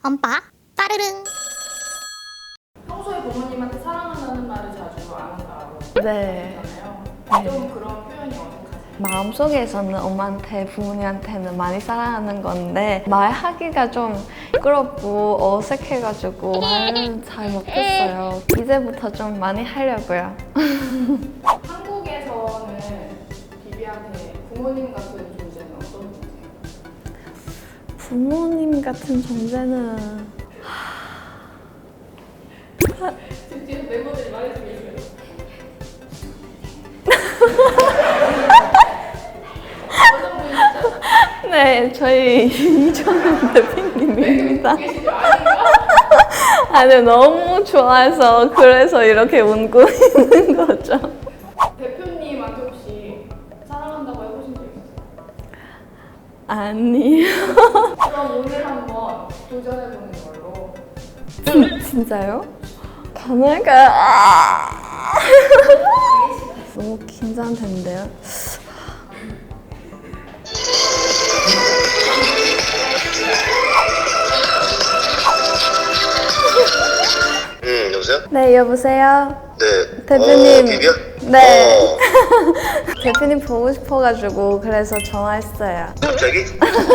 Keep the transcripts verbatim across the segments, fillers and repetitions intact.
엄빠 따르릉. 평소에 부모님한테 사랑한다는 말을 자주 안 한다고 네. 하잖아요. 네. 좀 그런 표현이 어색하세요? 마음속에서는 엄마한테 부모님한테는 많이 사랑하는 건데 말하기가 좀 부끄럽고 어색해가지고 말은 잘 못했어요. 이제부터 좀 많이 하려고요. 한국에서는 비비한테 부모님 같은 존재는 어떤 분이세요? 부모님 같은 존재는 지금 뒤에서 멤버들이 말해주고 계세요. 어떤 분이시죠? 네, 저희 이정현 대표님입니다. 계시죠? 아닌가? 아니 너무 좋아해서 그래서 이렇게 웃고 있는 거죠. 대표님한테 혹시 사랑한다고 해보신 적 있으세요? 아니요. 그럼 오늘 한번 도전해보는 걸로. 진, 진짜요? 가능할까요? 아! 너무 긴장되는데요. 음, 여보세요? 네, 여보세요? 네. 대표님. 어, 비비야? 네. 어, 대표님 보고 싶어가지고 그래서 전화했어요. 갑자기?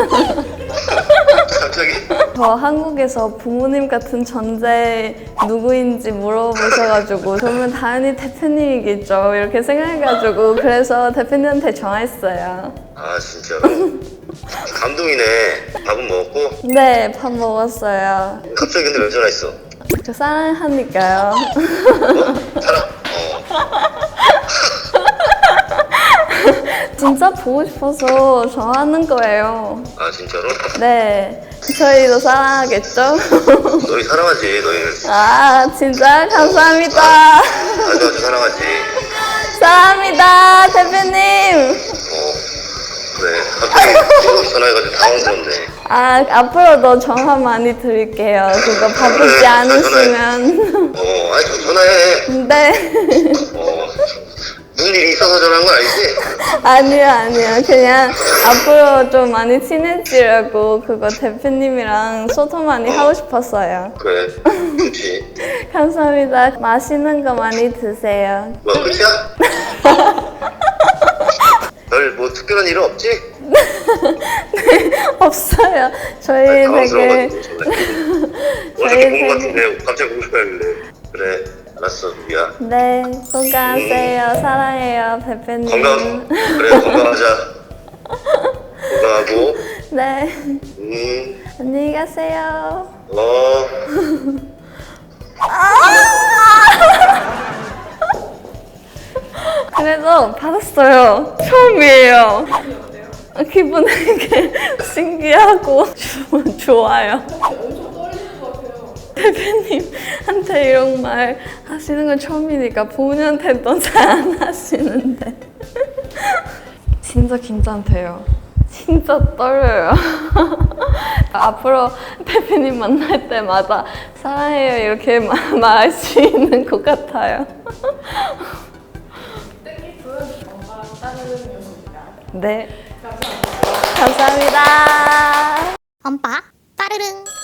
갑자기? 저 한국에서 부모님 같은 존재 누구인지 물어보셔가지고 그러면 당연히 대표님이겠죠 이렇게 생각해가지고 그래서 대표님한테 전화했어요. 아, 진짜로? 감동이네. 밥은 먹었고? 네, 밥 먹었어요. 갑자기 근데 왜 전화했어? 저 사랑하니까요. 어? 사랑? 어. 진짜 보고 싶어서 전화하는 거예요. 아, 진짜로? 네, 저희도 사랑하겠죠? 너희 사랑하지, 너희를. 아, 진짜 감사합니다. 아주 아주 사랑하지. 사랑합니다, 대표님. 어, 그래. 갑자기 뜬금없이 전화해가지고 당황스럽네. 아, 앞으로도 전화 많이 드릴게요. 그거 바쁘지 않으시면. 어, 아니, 저 전화해. 네. 어, 무슨 일이 있어서 전화한 건 아니지? 아니요, 아니요. 그냥 앞으로 좀 많이 친해지려고 그거 대표님이랑 소통 많이 하고 싶었어요. 그래, 좋지. 감사합니다. 맛있는 거 많이 드세요. 뭐, 끝이야? 별 뭐 특별한 일은 없지? 없어요. 저희 아니, 되게. 당황스러워가지고 전화해. 저희 어저께 본것 되게. 같은데 갑자기 보고 싶어 하길래. 그래, 알았어, 미야. 네, 건강하세요. 사랑해요, 대표님. 건강, 그래, 건강하자. 건강하고, 네. 음, 안녕히 가세요. 어. 그래도 받았어요. 처음이에요. 기분 되게 신기하고 좋아요. 엄청 떨리는 것 같아요. 대표님한테 이런 말 하시는 건 처음이니까 부모님한테도 잘 안 하시는데 진짜 긴장돼요. 진짜 떨려요. 앞으로 대표님 만날 때마다 사랑해요 이렇게 마- 말할 수 있는 것 같아요. 뜻깊은 엄마 따르릉이었습니다. 네, 감사합니다. 감사합니다. 엄빠 따르릉.